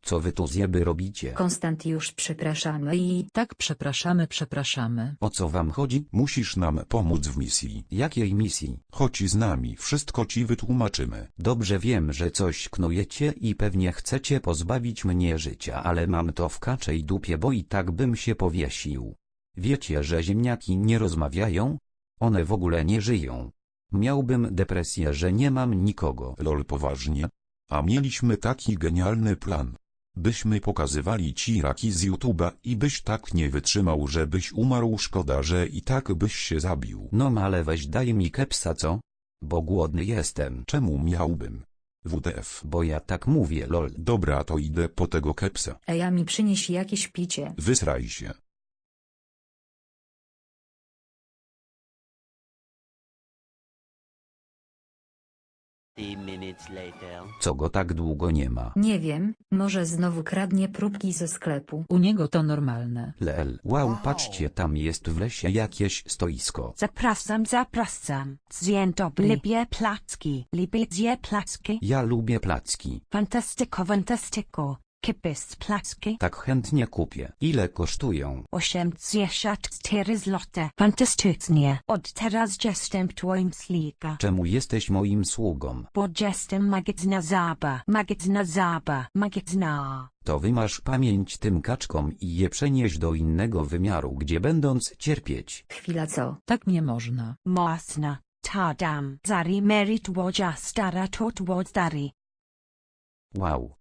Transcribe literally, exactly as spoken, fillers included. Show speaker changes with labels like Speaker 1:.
Speaker 1: Co wy tu zjeby robicie?
Speaker 2: Konstantiusz, przepraszamy i...
Speaker 3: Tak, przepraszamy, przepraszamy.
Speaker 1: O co wam chodzi?
Speaker 4: Musisz nam pomóc w misji.
Speaker 1: Jakiej misji?
Speaker 4: Chodź z nami, wszystko ci wytłumaczymy.
Speaker 1: Dobrze wiem, że coś knujecie i pewnie chcecie pozbawić mnie życia, ale mam to w kaczej dupie, bo i tak bym się powiesił. Wiecie, że ziemniaki nie rozmawiają? One w ogóle nie żyją. Miałbym depresję, że nie mam nikogo.
Speaker 4: Lol, poważnie? A mieliśmy taki genialny plan. Byśmy pokazywali ci raki z YouTube'a i byś tak nie wytrzymał, żebyś umarł, szkoda, że i tak byś się zabił.
Speaker 1: No ale weź daj mi kepsa, co? Bo głodny jestem.
Speaker 4: Czemu miałbym? W D F.
Speaker 1: Bo ja tak mówię, lol.
Speaker 4: Dobra, to idę po tego kepsa.
Speaker 2: Ej, a mi przynieś jakieś picie.
Speaker 4: Wysraj się.
Speaker 1: Co go tak długo nie ma?
Speaker 2: Nie wiem, może znowu kradnie próbki ze sklepu.
Speaker 3: U niego to normalne.
Speaker 1: Lel, wow, patrzcie, tam jest w lesie jakieś stoisko.
Speaker 5: Zapraszam, zapraszam. Dzień dobry. Lubię placki. Lubię placki.
Speaker 1: Ja lubię placki.
Speaker 5: Fantastyko, fantastyko. Kipis placki.
Speaker 1: Tak chętnie kupię. Ile kosztują?
Speaker 5: osiemdziesiąt cztery złote. Fantastycznie. Od teraz jestem twoim sługą.
Speaker 1: Czemu jesteś moim sługą?
Speaker 5: Bo jestem magazna zaba. Magazna zaba. Magazna.
Speaker 1: To wymasz pamięć tym kaczkom i je przenieś do innego wymiaru, gdzie będąc cierpieć.
Speaker 2: Chwila, co?
Speaker 3: Tak nie można.
Speaker 5: Mocna. Tadam. Zari merit łodzia stara tot łodzari.
Speaker 1: Wow,